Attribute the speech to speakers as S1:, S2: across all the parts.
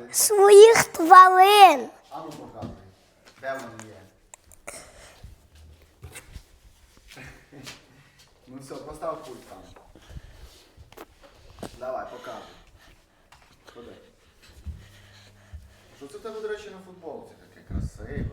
S1: своїх тварин.
S2: А ну показуй. Де вони є? Ну все, постав пульт там. Давай, показуй. Ходи. Що це в тебе, до речі, на футболці таке красиве?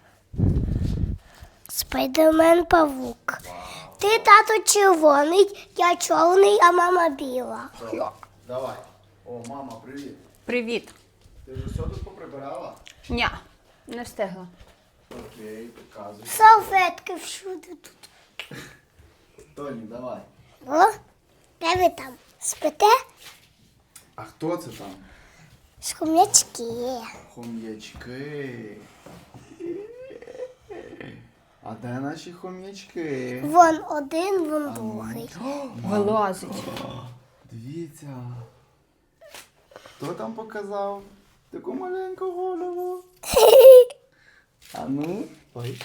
S1: Спайдермен-павук. Ти, тато, червоний, я чорний, а мама біла.
S2: Все, давай. О, мама, привіт.
S3: Привіт.
S2: Ти вже все тут поприбирала?
S3: Ня, не встигла.
S2: Окей, показуй.
S1: Салфетки всюди тут.
S2: Тоні, давай.
S1: О, де ви там? Спите?
S2: А хто це там?
S1: Шкум'ячки.
S2: Хом'ячки. А де наші хом'ячки?
S1: Вон один, вон другий.
S3: Вилазить.
S2: Дивіться. Хто там показав таку маленьку голову? А ну. Ой.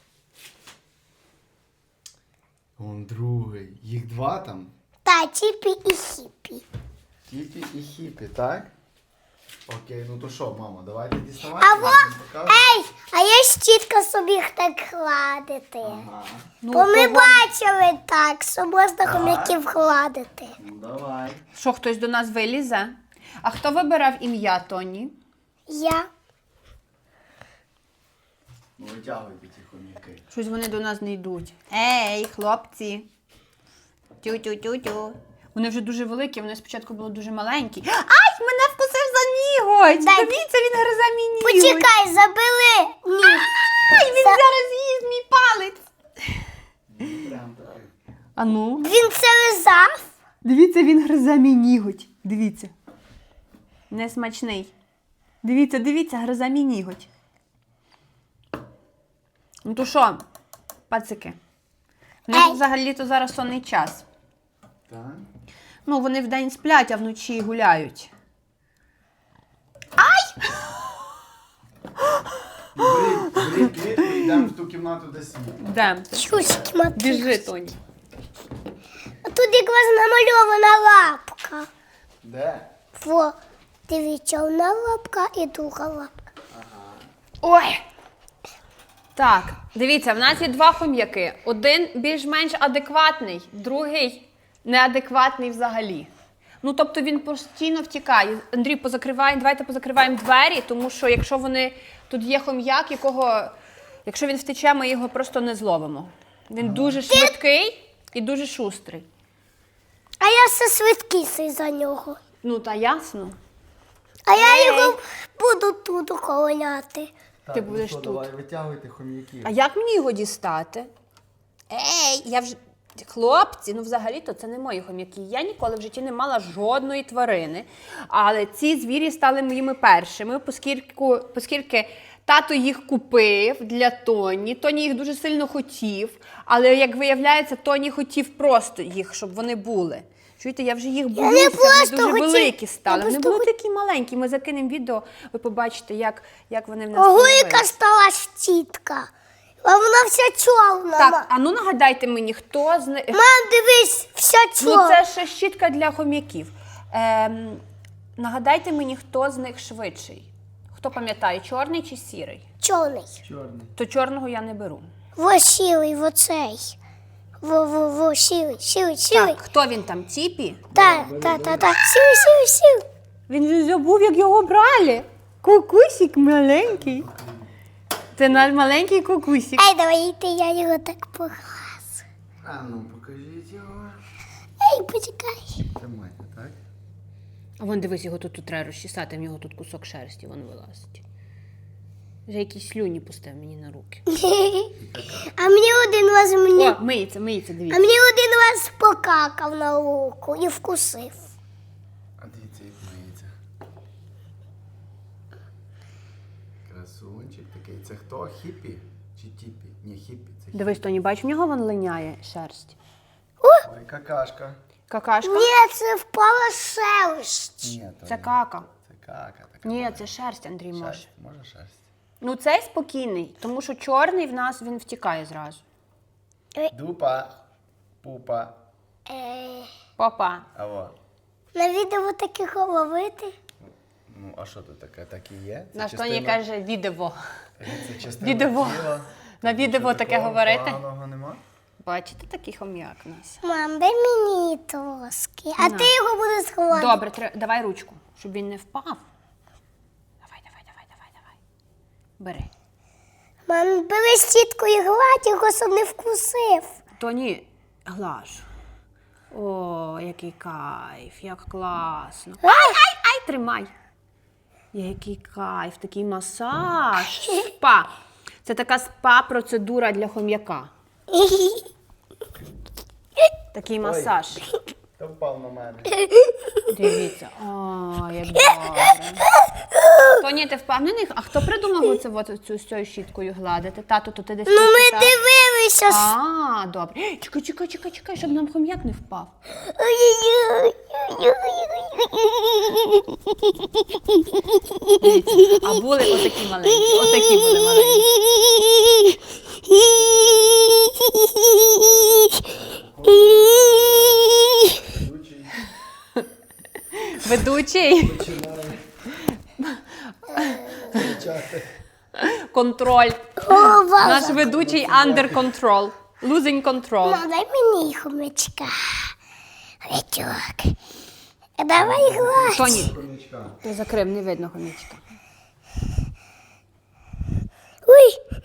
S2: Вон другий. Їх два там.
S1: Та Чіпі і Хіпі.
S2: Тіпі і Хіпі, так? Окей, ну то що, мама, давайте діставати.
S1: А
S2: я
S1: во,
S2: вам покажу.
S1: ей, а є щітка собі їх так гладити.
S2: Ага.
S3: Ну,
S1: Бо ми
S3: то
S1: бачили так, що можна хом'яків гладити.
S2: Ну давай.
S3: Що, хтось до нас вилізе? А хто вибирав ім'я Тоні?
S1: Я.
S2: Ну витягуйте ті хом'яки.
S3: Щось вони до нас не йдуть. Ей, хлопці. Тю-тю-тю-тю. Вони вже дуже великі, вони спочатку були дуже маленькі. Ай, мене вкусив за ніготь!
S1: Дай.
S3: Дивіться, він гризе мій ніготь.
S1: Почекай, забили. Ні.
S3: Ай, він зараз з'їсть мій палець.
S2: Прям таки.
S3: А ну,
S1: Він це лизав.
S3: дивіться, він гризе мій ніготь. Дивіться. Несмачний. Дивіться, дивіться, гризе мій ніготь. Ну то що, пацики? В них
S1: Ей.
S3: взагалі-то зараз сонний час.
S2: Так.
S3: Ну, вони вдень сплять, а вночі гуляють.
S2: Беріть клітку і йдемо в ту кімнату, де світло.
S3: Де?
S1: Чуськи мати.
S3: Біжи, Тоні.
S1: А тут якраз намальована лапка.
S2: Де?
S1: Во, дивіться, одна лапка і друга лапка.
S3: Ой! Так, дивіться, в нас є два хом'яки. Один більш-менш адекватний, другий неадекватний взагалі. Ну, тобто він постійно втікає. Андрій, давайте позакриваємо двері, тому що якщо тут є хом'як, якщо він втече, ми його просто не зловимо. Він дуже швидкий і дуже шустрий.
S1: А я все швидкісий за нього.
S3: Ну, та ясно.
S1: А я його буду тут охороняти.
S3: Ти будеш тут.
S2: Давай витягуйте хом'яків.
S3: А як мені його дістати? Ей, я вже... Хлопці, ну взагалі-то це не мої хом'яки. Я ніколи в житті не мала жодної тварини. Але ці звірі стали моїми першими, оскільки тато їх купив для Тоні. Тоні їх дуже сильно хотів. Але, як виявляється, Тоні хотів просто їх, щоб вони були. Чуєте, я вже їх боюся, вони
S1: просто
S3: дуже
S1: хотів.
S3: великі стали.
S1: Я
S3: Вони
S1: просто
S3: були такі маленькі. Ми закинемо відео, ви побачите, як вони в нас
S1: Ого,
S3: появились.
S1: яка стала щітка. А вона вся чорна.
S3: Так, а ну нагадайте мені, хто з них...
S1: Мам, дивись, вся
S3: Ну,
S1: чорна.
S3: це ще щітка для хом'яків. Нагадайте мені, хто з них швидший. Хто пам'ятає, чорний чи сірий?
S1: Чорний.
S2: Чорний.
S3: То чорного я не беру.
S1: Во сірий, во цей. Во, сірий.
S3: Так, хто він там? Тіпі?
S1: Та. Сірий.
S3: Він же забув, як його брали. Кукусик маленький. Це наш маленький кукусик.
S1: Ей, давайте я його так поглазу.
S2: А ну, покажіть його.
S1: Ей, почекай.
S2: Тримайте, так?
S3: А вон дивись, його тут треба розчесати, в нього тут кусок шерсті, вон вилазить. Вже якісь слюні пустив мені на руки.
S1: А мені один раз
S3: О, миється,
S1: А
S3: дивіться.
S1: мені один раз покакав на руку і вкусив.
S2: А дивіться, як миється. Красунчик такий. Це хто? Хіпі? Чи тіпі? Ні, хіпі. Це хіпі.
S3: Дивись, Тоні, бач, в нього вон линяє шерсть.
S2: Ой, какашка.
S3: Какашка?
S1: Ні, це впала шерсть.
S2: Ні, то
S3: Це
S2: ні.
S3: кака.
S2: Це кака. Така
S3: Ні, це шерсть, Андрій, може.
S2: шерсть. Може шерсть.
S3: Ну, цей спокійний, тому що чорний в нас, він втікає зразу.
S2: Дупа. Пупа.
S3: Папа.
S2: Аво.
S1: На відео таке ловити.
S2: Ну, а що тут таке? Так і є? Це
S3: Наш
S2: частина-
S3: Тоні каже відео.
S2: Це частина
S3: відео.
S2: тіла.
S3: На відео
S2: Що,
S3: таке
S2: такого
S3: говорити?
S2: поганого нема?
S3: Бачите, такий хом'як у нас.
S1: Мам, дай мені трошки. А ти його будеш сховати.
S3: Добре, давай ручку, щоб він не впав. Давай. Бери.
S1: Мам, бери щітку і гладь його, щоб не вкусив.
S3: Тоні, глаж. О, який кайф, як класно. Ай, тримай. Який кайф, такий масаж. Спа. Це така спа-процедура для хом'яка. Такий масаж.
S2: Та впав на мене.
S3: Дивіться. О, як добре. Тоні, ти впевнений? А хто придумав оце, цю з цією щіткою гладити? Тату, то ти десь
S1: Ну,
S3: тут
S1: ми
S3: читав?
S1: дивилися.
S3: А, добре. Чекай, щоб нам хом'як не впав. Дивіться, а були отакі маленькі, отакі були маленькі. Ведучий.
S2: Починає кричати.
S3: Контроль.
S1: О, Боже.
S3: Наш ведучий under control. Losing control.
S1: Мам, дай мені хомячка. Хомячок. Давай гладь.
S3: Тоні,
S2: Хомячка.
S3: ти закрив, не видно хомячка.
S1: Ой,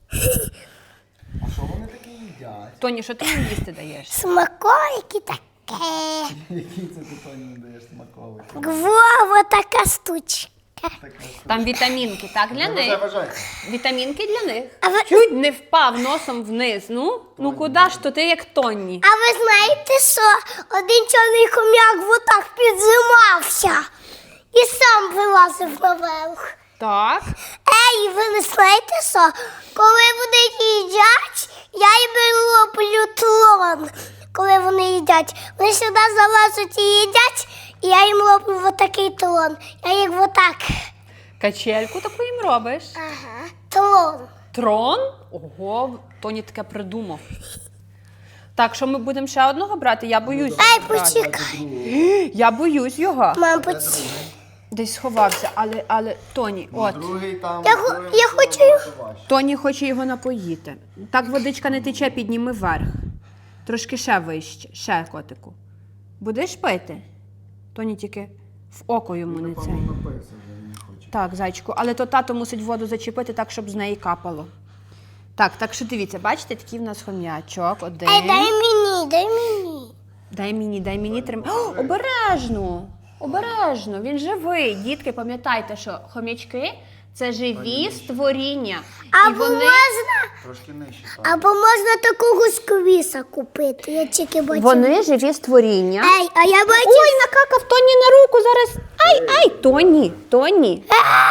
S2: А що вони такі їдять?
S3: Тоні, що ти їм їсти даєш?
S1: смаколики таке.
S2: Які це ти Тоні не даєш смаколики?
S1: Вова, така штучка.
S3: Там вітамінки, так, для них?
S2: Бажай.
S3: Вітамінки для них.
S1: А ви,
S3: Чуть не впав носом вниз. Ну куди ж то ти як Тоні?
S1: а ви знаєте, що один чорний хом'як отак підзимався і сам вилазив наверх.
S3: Так.
S1: Ей, ви не знаєте, що коли вони їдять, я їм роблю тлон. Коли вони їдять, вони сюди залазять і їдять, і я їм роблю отакий тлон. Я їх отак.
S3: Качельку таку їм робиш.
S1: Ага. Тлон.
S3: Трон? Ого, Тоні таке придумав. Так, що ми будемо ще одного брати? Я боюсь.
S1: Ей,
S3: брати.
S1: почекай.
S3: Я боюсь його.
S1: Мам,
S3: Десь сховався, але Тоні, от.
S2: Другий там.
S1: Я хочу-
S3: Тоні хоче його напоїти. Так водичка не тече, підніми вверх. Трошки ще вище, ще котику. Будеш пити? Тоні тільки в око йому не це.
S2: Напевно, напився вже, не хоче.
S3: Так, зайчику, але то тато мусить воду зачепити так, щоб з неї капало. Так що дивіться, бачите, такий в нас хом'ячок. Один.
S1: Ей, дай мені, дай мені.
S3: Дай мені тримай. О, обережно, він живий. Дітки, пам'ятайте, що хом'ячки – це живі створіння. І
S1: Або
S3: вони...
S1: можна,
S2: Трошки нижче. Так.
S1: або можна такого сквіса купити. Я тільки бачу.
S3: Вони живі створіння.
S1: Ей, а я бачу.
S3: Ой, накакав Тоні на руку зараз. Ай, Тоні.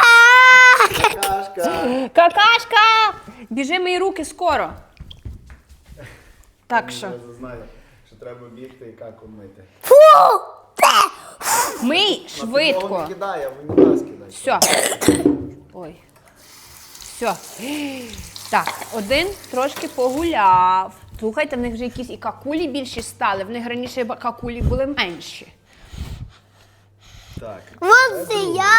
S2: Кашка.
S3: Какашка! Біжи мої руки скоро. Так що,
S2: Я знаю, що треба бігти і каку мити.
S1: Фу!
S3: мий
S2: Підлогу
S3: швидко.
S2: не кидай, а в унітаз кидай.
S3: Все. Ой. Все. Так, один трошки погуляв. Слухайте, в них вже якісь і какулі більші стали. В них раніше какулі були менші.
S2: Так.
S1: От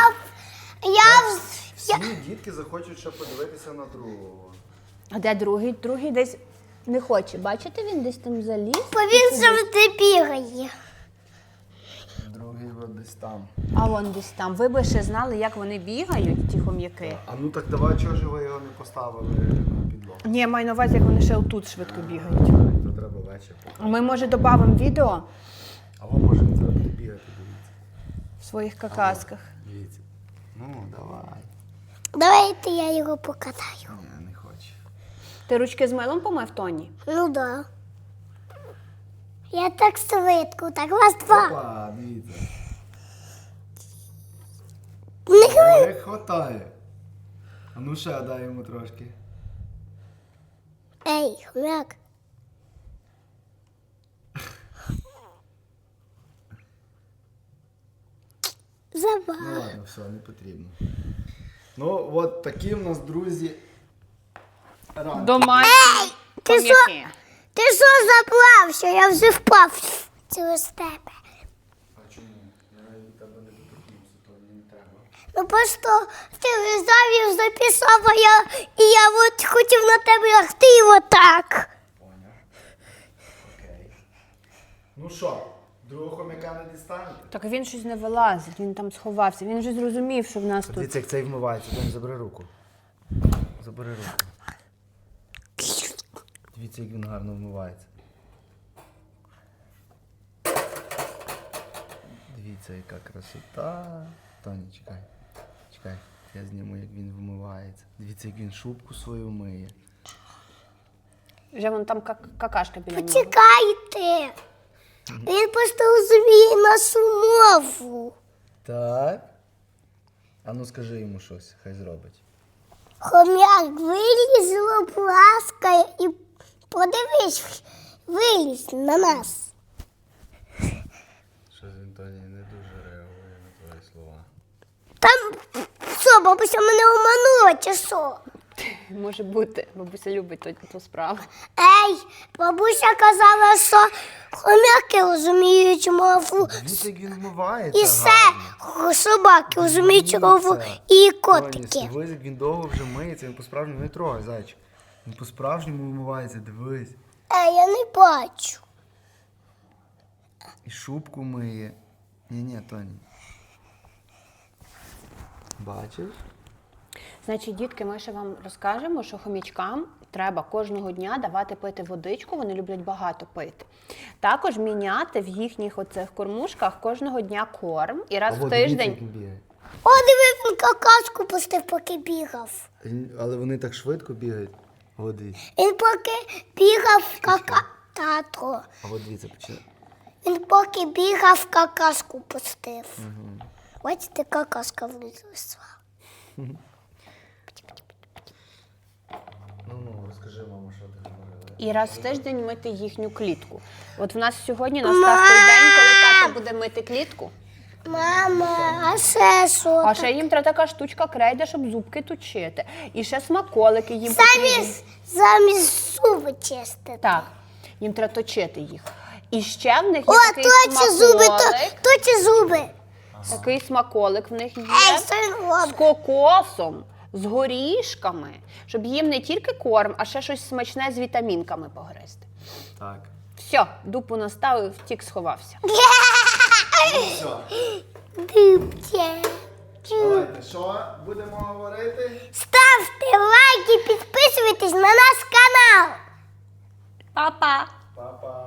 S1: я
S2: Всі дітки захочуть ще подивитися на другого.
S3: А де другий? Другий десь не хоче. Бачите, він десь там заліз.
S1: бо він завжди бігає.
S2: Другий от десь там.
S3: А вон десь там. Ви би ще знали, як вони бігають, ті хом'яки.
S2: А ну так давай, чого ж ви його не поставили на підлогу?
S3: Ні, маю на увазі, як вони ще отут швидко бігають.
S2: То треба вечір показати.
S3: Ми, може, додамо відео
S2: А ви можете зараз бігати, дивіться.
S3: в своїх какасках.
S2: Дивіться. Ну, давай.
S1: Давайте я його покатаю.
S2: Ні, не хоче.
S3: Ти ручки з милом помив, Тоні?
S1: Ну да. Я так швидко, так раз, два.
S2: Опа, дивіться.
S1: Не
S2: Не хватає. А ну ще дай йому трошки.
S1: Ей, хомяк.
S2: Ну
S1: Забав.
S2: ладно, все, не потрібно. Ну, от такі в нас, друзі, ранки.
S3: Домашні
S1: Ти що?
S3: хом'яки.
S1: Ти що заплався? Я вже впав через тебе.
S2: А чому? Я від тебе не доторкнувся, то мені не треба.
S1: Ну просто ти завів записав, і я от хотів на тебе лягти і отак.
S2: Поняв. Окей. Ну що, другого хомяка не дістанете?
S3: Так він щось не вилазить, він там сховався. Він вже зрозумів, що в нас тут.
S2: Дивіться, як цей вмивається, Тонь, забери руку. Забери руку. Дивіться, як він гарно вмивається. Дивіться, яка красота. Тоні, чекай. Чекай, я зніму, як він вмивається. Дивіться, як він шубку свою миє.
S3: Вже вон там какашка біля нього.
S1: Почекайте. Він просто розуміє нашу мову.
S2: Так. А ну скажи йому щось, хай зробить.
S1: Хом'як виліз, ласкає і подивись, виліз на нас.
S2: Щось він, Тоні, не дуже реагує на твої слова.
S1: Там що, бабуся мене обманула чи що?
S3: Може бути, бабуся любить ту справу.
S1: Ей, бабуся казала, що хом'яки розуміють мову.
S2: Дивіться, як він вмивається
S1: І все,
S2: гарно.
S1: собаки розуміють мову і котики.
S2: Тоні, дивись, як він довго вже миється, він по-справжньому не трогай, зайчик. Він по-справжньому вмивається, дивись.
S1: Ей, я не бачу.
S2: І шубку миє. Ні, Тоні. Бачиш?
S3: Значить, дітки, ми ще вам розкажемо, що хомячкам треба кожного дня давати пити водичку, вони люблять багато пити. Також міняти в їхніх оцих кормушках кожного дня корм і раз
S2: Або
S3: в
S2: дивіться, як
S3: тиждень.
S2: він бігає.
S1: О, диви, він какашку пустив, поки бігав.
S2: Але вони так швидко бігають. О, дивіться.
S1: Він поки бігав тато.
S2: А от дивіться, починає.
S1: Він поки бігав, какашку пустив. Бачите, какашка вилізла.
S2: Ну, розкажи, мамо, що ти говорила.
S3: І раз в тиждень мити їхню клітку. От в нас сьогодні настав той день, коли тато буде мити клітку.
S1: Мама, а ще що?
S3: А ще їм треба така штучка крейда, щоб зубки точити. І ще смаколики їм потрібні.
S1: Замість зуби чистити.
S3: Так, їм треба точити їх. І ще в них
S1: О,
S3: є такий
S1: точі зуби,
S3: смаколик.
S1: точі зуби.
S3: Такий смаколик в них є.
S1: Ей, що він
S3: З
S1: робить?
S3: кокосом, з горішками, щоб їм не тільки корм, а ще щось смачне з вітамінками погризти.
S2: Так.
S3: Все, дупу наставив, втік, сховався.
S2: Все.
S1: Дивіться.
S2: Давайте, що будемо говорити?
S1: Ставте лайки, підписуйтесь на наш канал.
S3: Па-па!
S2: Па-па.